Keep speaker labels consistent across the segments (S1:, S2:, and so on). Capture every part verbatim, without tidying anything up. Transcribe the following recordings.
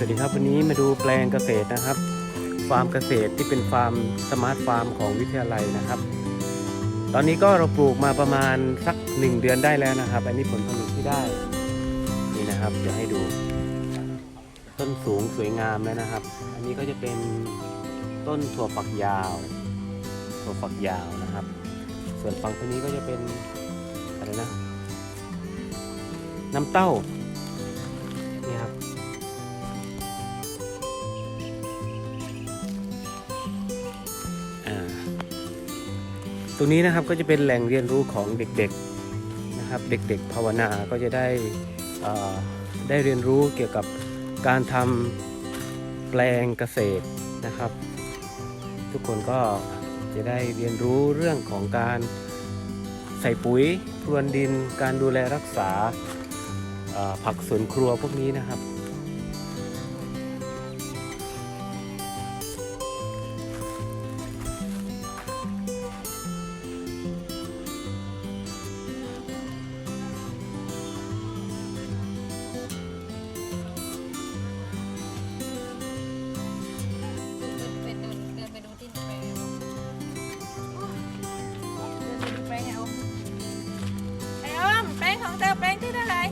S1: วัสดีครับวันนี้มาดูแปลงเกษตรนะครับฟาร์มเกษตรที่เป็นฟาร์มสมาร์ทฟาร์มของวิทยาลัยนะครับตอนนี้ก็เราปลูกมาประมาณสักหนึ่งเดือนได้แล้วนะครับอันนี้ผลผลิตที่ได้นี่นะครับเดี๋ยวให้ดูต้นสูงสวยงามแล้วนะครับอันนี้ก็จะเป็นต้นถั่วฝักยาวถั่วฝักยาวนะครับส่วนฝั่งตรงนี้ก็จะเป็นอะไรนะน้ำเต้านี่ครับตรงนี้นะครับก็จะเป็นแหล่งเรียนรู้ของเด็กๆนะครับเด็กๆภาวนาก็จะได้ได้เรียนรู้เกี่ยวกับการทำแปลงเกษตรนะครับทุกคนก็จะได้เรียนรู้เรื่องของการใส่ปุ๋ยพรวนดินการดูแลรักษาผักสวนครัวพวกนี้นะครับ
S2: แป้งของเธอแป้งที่เท่าไหร่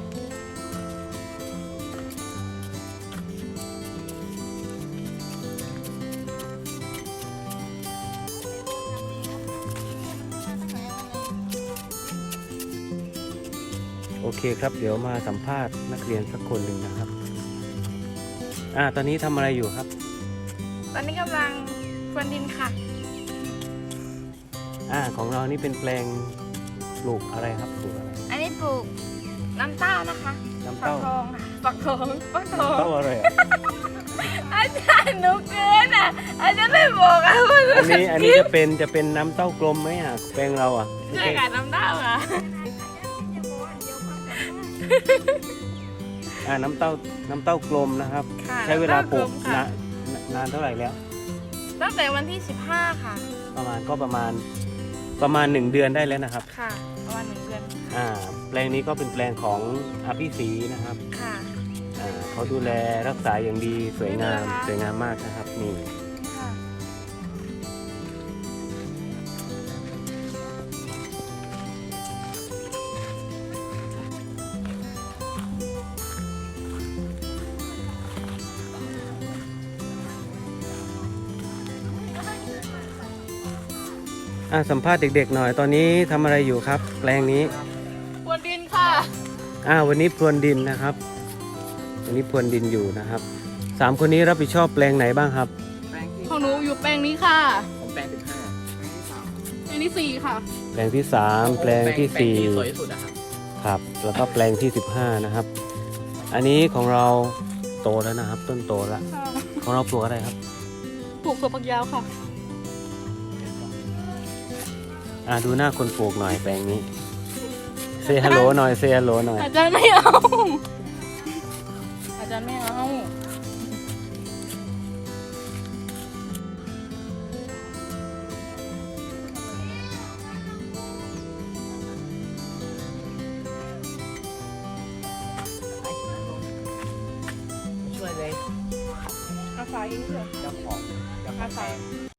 S1: โอเคครับเดี๋ยวมาสัมภาษณ์นักเรียนสักคนหนึ่งนะครับอ่าตอนนี้ทำอะไรอยู่ครับ
S2: ตอนนี้กำลังพรวนดินค่ะ
S1: อ่าของเรานี่เป็นแปลงปลูกอะไรครับปลูกอะไร
S2: อันนี้ปลูกน้ำเต้านะคะ
S1: น้ำเต้า
S2: ฟักทองค่ะฟักทองฟักทอง
S1: เต้าอะไรอ่ะ
S2: อาจารย์หนูเกินอ่ะอาจารย์ไม่บอกอ่ะว่า
S1: อันนี้อันนี้จะเป็นจะเป็นน้ำเต้ากลมไหมอ่ะแปลงเราอ่ะ
S2: ใช่ค่ะน้ำเต้าค่ะ
S1: อ่าน้ำเต้าน้ำเต้ากลมนะครับใช้เวลาปลูกนานนานเท่าไหร่แล้ว
S2: ตั้งแต่วันที่สิบห้าค่ะ
S1: ประมาณก็ประมาณประมาณหนึ่งเดือนได้แล้วนะครับ
S2: ค่ะประมาณหนึ่งเดือน
S1: อ่าแปลงนี้ก็เป็นแปลงของอภิศรีนะครับ
S2: ค่ะ
S1: อ่าเขาดูแลรักษาอย่างดีสวยงามสวยงามมากนะครับนี่อ่าสัมภาษณ์เด็กๆหน่อยตอนนี้ทำอะไรอยู่ครับแปลงนี้
S2: พรวนดินค่ะ
S1: อ่าวันนี้พรวนดินนะครับวันนี้พรวนดินอยู่นะครับสามคนนี้รับผิดชอบแปลงไหนบ้างครับ
S2: ของหนูอยู่แปลงนี้ค่ะ
S3: ผมแปลงสิบห้า
S2: แปลงที่สี่ค่ะ
S1: แปลงที่สามแปลงที่สี่
S3: สวยที่สุดนะครับ
S1: ครับแล้วก็แปลงที่สิบห้านะครับอันนี้ของเราโตแล้วนะครับต้นโตแล้วของเราปลูกอะไรครับ
S2: ปลูกถั่วฝักยาวค่ะ
S1: อ่าดูหน้าคนปลูกหน่อยแปลงนี้เซฮัลโหลหน่อยเซฮัลโหลหน่อย
S2: อาจารย์ไม่เอาอาจารย์ไม่เอา
S3: ช่วยเลย
S2: อาศัยเถอะ
S3: เจ้าของ
S2: อาศัย